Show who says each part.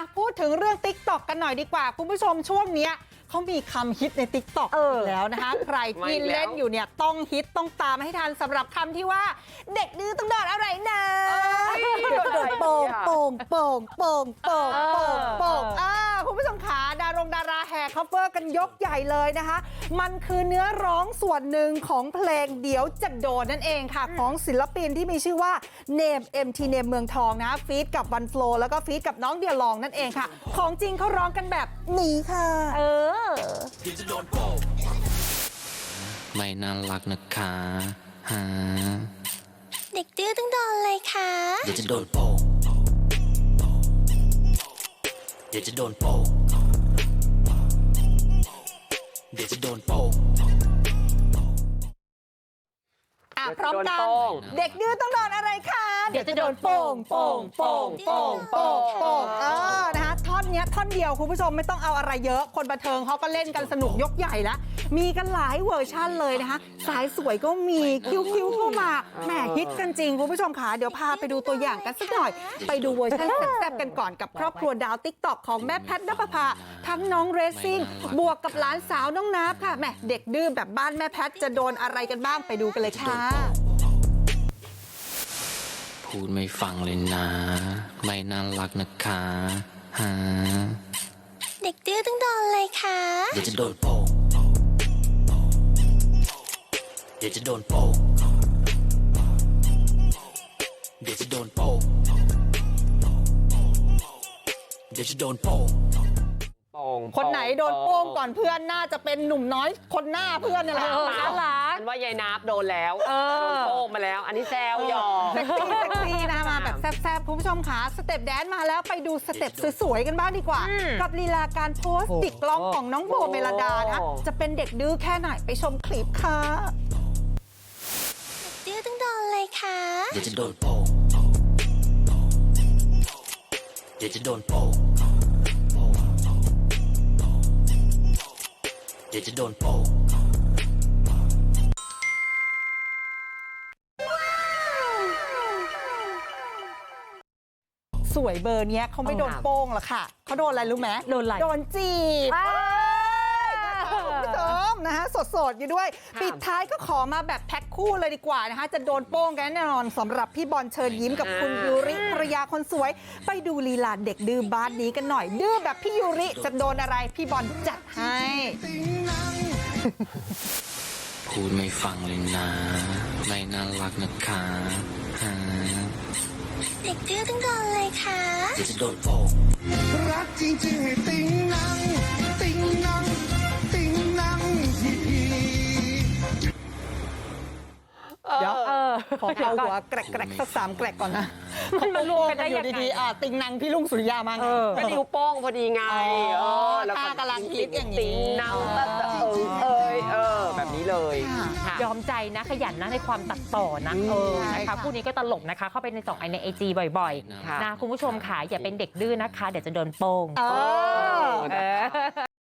Speaker 1: พูดถึงเรื่อง TikTok กันหน่อยดีกว่าคุณผู้ชมช่วงเนี้ยเขามีคำฮิตใน TikTok แล้วนะคะ ใครที่เล่นอยู่เนี่ยต้องฮิตต้องตามให้ทันสำหรับคำที่ว่าเด็กดื้อต้องโดนอะไรนะโดนโป่งโป่งโป่งโป่งโป่งโป่งโป่งคุณผู้ชมขาดาราแห่คัฟเวอร์กันยกใหญ่เลยนะคะมันคือเนื้อร้องส่วนหนึ่งของเพลงเดี๋ยวจะโดนนั่นเองค่ะของศิลปินที่มีชื่อว่าเนม MT เนมเมืองทองนะฟีดกับวันโฟลแล้วก็ฟีดกับน้องเดียลองนั่นเองค่ะของจริงเขาร้องกันแบบนี้ค่ะ
Speaker 2: ไม่น่ารักนะคะฮะ
Speaker 3: เด็กดื้อต้องโดนเลยค่ะ
Speaker 2: เดี๋ยวจะโดนโป่งเดี๋ยวจะโดนโป่งเดี๋ยวจะโดนโป่ง
Speaker 1: พร้อมกันเด็กดื้อต้องโดนอะไรคะเดี๋ยวจะโดนโป่งโป่งโป่งโป่งโป่งโป่งนะคะท่อนนี้ท่อนเดียวคุณผู้ชมไม่ต้องเอาอะไรเยอะคนบันเทิงเขาก็เล่นกันสนุกยกใหญ่แล้วมีกันหลายเวอร์ชั่นเลยนะคะสายสวยก็มีคิ้วก็มาแหมฮิตกันจริงคุณผู้ชมค่ะเดี๋ยวพาไปดูตัวอย่างกันสักหน่อยไปดูเวอร์ชันแซ่บๆกันก่อนกับครอบครัวดาว TikTok ของแม่แพทณปภาทั้งน้องเรซซิ่งบวกกับหลานสาวน้องนับค่ะแหมเด็กดื้อแบบบ้านแม่แพทจะโดนอะไรกันบ้างไปดูกันเลยค่ะ
Speaker 2: พูดไม่ฟังเลยนะไม่น่ารักนะคะฮะ
Speaker 3: เด็กดื้อต้องโดนเลยค่ะ
Speaker 2: เดี๋ยวจะโดนโป่งเดี๋ยวจะโดนโป่งเดี๋ยวจะโดนโป่งเดี๋ยวจะโดนโป่ง
Speaker 1: คนไหนโดนโป้งก่อนเพื่อนน่าจะเป็นหนุ่มน้อยคนหน้าเพื่อนนี่แหละ
Speaker 4: น่ารักว่ายายนับโดนแล้วโดนโป้งมาแล้วอันนี้แซวหยอก
Speaker 1: เซ็กซี่นะคะมาแบบแซ่บๆคุณผู้ชมค่ะสเต็ปแดนมาแล้วไปดูสเต็ปสวยๆกันบ้างดีกว่ากับลีลาการโพสต์ติดกล้องของน้องโบเมลดานะจะเป็นเด็กดื้อแค่ไหนไปชมคลิปค่ะ
Speaker 3: เด็กดื้อต้องโดนเลยค่ะ
Speaker 2: เดี๋ยวจะโดนโป่งเดี๋ยวจะโดนโป่งเดี๋ยวจะโดนโป่ง
Speaker 1: สวยเบอร์นี้เขาไม่โดนโป้งหรอกค่ะเขาโดนอะไรรู้ไหมโดนอะไรโดนจีบคุณผู้ชมนะคะสดๆอยู่ด้วยปิดท้ายก็ขอมาแบบแพ็คคู่เลยดีกว่านะคะจะโดนโป้งกันแน่นอนสำหรับพี่บอลเชิญยิ้มกับคุณยูริภรรยาคนสวยไปดูลีลาเด็กดื้อบ้านนี้กันหน่อยดื้อแบบพี่ยูริจะโดนอะไรพี่บอลจัดให้
Speaker 2: พูดไม่ฟังเลยนะไม่น่ารักนะคะฮะ
Speaker 3: เด็กดื้อต้องโดนเลยค่ะ
Speaker 2: เดี๋ยวจะโดนโป่ง
Speaker 5: รักจริงๆให้ติ๊งนังติ๊งนังติ๊งนังที
Speaker 1: เดี๋ยวขอเอาหัวแกรกสัก3แกรกก่อนนะมันรวมกันอยู่ดีๆติงนังพี่ลุงสุริยามาไง
Speaker 4: ก็นิ้วโป้งพอดีไง
Speaker 1: แล้วก็กำลังฮิตอย่างนี้
Speaker 4: นังแบบนี้เลย
Speaker 6: ยอมใจนะขยันนะในความตัดต่อนะนะคะคู่นี้ก็ตลกนะคะเข้าไปในในIG บ่อยๆนะคุณผู้ชมค่ะอย่าเป็นเด็กดื้อนะคะเดี๋ยวจะโดนโป้ง